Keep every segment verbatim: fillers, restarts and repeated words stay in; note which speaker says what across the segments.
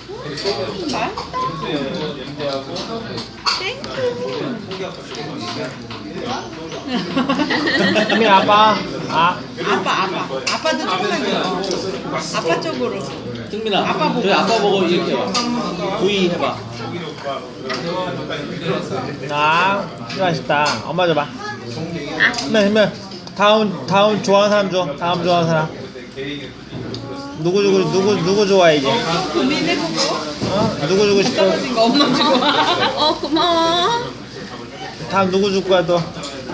Speaker 1: 맛있다.
Speaker 2: 승민 아빠. 아.
Speaker 1: 아빠 아빠 아빠도 조금만 줘. 아빠 쪽으로.
Speaker 3: 승민아,
Speaker 1: 아빠 보고.
Speaker 3: 저희 아빠 보고 이렇게 와. 구이 해봐.
Speaker 2: 아, 진짜 맛있다. 엄마 줘봐. 승민, 승민. 다음, 다음 좋아하는 사람 줘. 다음 좋아하는 사람. 누구 누구 누구 누구 좋아해 이제?
Speaker 1: 고민해보고.
Speaker 2: 어? 누구 주고 싶어?
Speaker 1: 떨어진 거 엄마 주고.
Speaker 4: 어 고마워.
Speaker 2: 다음 누구 줄 거야 또?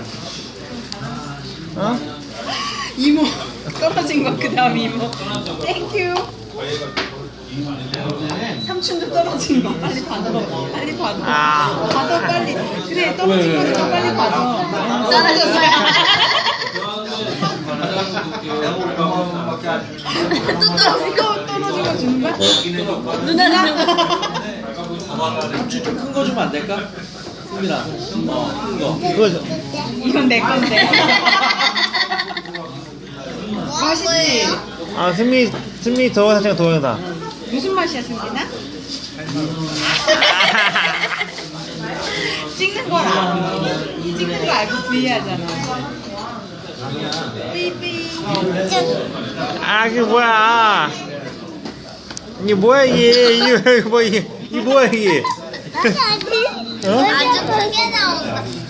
Speaker 2: 어?
Speaker 1: 이모 떨어진 거 그 다음 이모. 땡큐. 삼촌도 떨어진 거 빨리 받아. 빨리 받아.
Speaker 2: 아.
Speaker 1: 받아 빨리. 그래 떨어진 거니까 빨리 받아.
Speaker 4: 떨어졌어요. 또 떨어진 거.
Speaker 1: 또 떨어진 거 주는 거야?
Speaker 4: 누나는
Speaker 3: 큰 거 주면 안 될까? 승민아, 어, 큰 거.
Speaker 2: 그거 줘.
Speaker 1: 이건 내 건데. 맛있지?
Speaker 2: 아 승미 승미 동영상 동영상.
Speaker 1: 무슨 맛이야 승진아? 찍는 걸 알아. 찍는 거 알고 부위하잖아. 삐삐.
Speaker 2: 아 그게 뭐야? 이게 뭐야 이게 이게 뭐 이게 이 뭐야 이게?
Speaker 5: 아주
Speaker 2: 어?
Speaker 5: 아주 크게 나온다.